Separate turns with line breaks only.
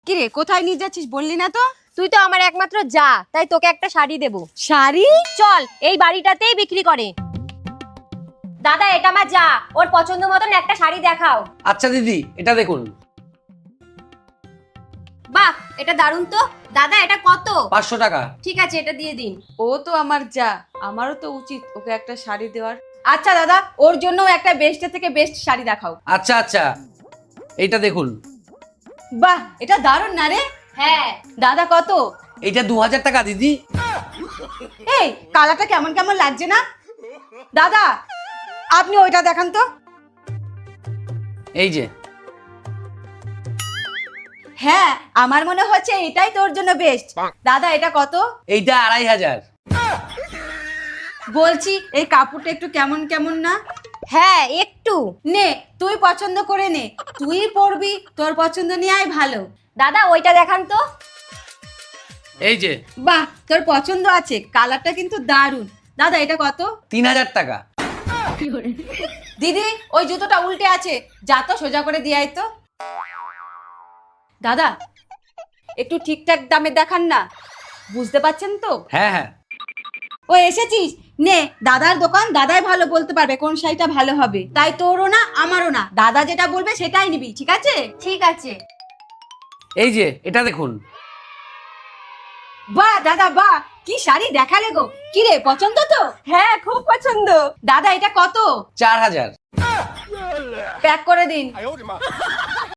কিরে কোথায় নিয়ে যাচ্ছিস বললি না তো?
তুই তো আমার একমাত্র যা, তাই তোকে একটা শাড়ি দেব।
শাড়ি?
চল, এই বাড়িটাতেই বিক্রি করে। দাদা, এটা আমার যা, ওর পছন্দ মতন একটা শাড়ি দেখাও।
আচ্ছা দিদি, এটা দেখুন।
বাহ, এটা দারুণ তো। দাদা, এটা কত?
500 টাকা।
ঠিক আছে, এটা দিয়ে দিন।
ও তো আমার যা, আমারও তো উচিত ওকে একটা শাড়ি দেওয়ার। আচ্ছা দাদা, ওর জন্য একটা বেস্টের থেকে বেস্ট শাড়ি দেখাও।
আচ্ছা আচ্ছা, এইটা দেখুন।
বাহ, এটা দারুণ না রে?
হ্যাঁ।
দাদা কত?
এইটা 2000 টাকা দিদি।
এই কালারটা কেমন কেমন লাগছে না? দাদা আপনি ওইটা দেখান তো।
এই যে।
হ্যাঁ, আমার মনে হচ্ছে এটাই তোর জন্য বেস্ট। দাদা এটা কত?
এইটা 2500।
বলছি এই কাপড়টা একটু কেমন কেমন না?
হ্যাঁ, একটু।
নে তুই পছন্দ করে নে, তুই পরবি, তোর পছন্দ নেওয়াই ভালো।
দাদা, ওইটা দেখান তো।
এই যে।
বাহ, তোর পছন্দ আছে, কালারটা কিন্তু দারুণ। দাদা এটা কত?
3000 টাকা।
দিদি ওই জুতোটা উল্টে আছে, যা তো সোজা করে দিয়ে আয় তো। দাদা একটু ঠিকঠাক দামে দেখান না, বুঝতে পারছেন তো?
হ্যাঁ হ্যাঁ।
ও এসেছিস, নে দাদার দোকান, দাদাই ভালো বলতে পারবে কোন শাড়িটা ভালো হবে। তাই তোরও না আমারও না, দাদা যেটা বলবে সেটাই নিবি, ঠিক আছে?
ঠিক আছে।
এই যে, এটা দেখুন।
বাহ দাদা বাহ, কি শাড়ি দেখালে গো। কি রে, পছন্দ তো? হ্যাঁ খুব পছন্দ। দাদা এটা কত?
4000।
প্যাক করে দিন।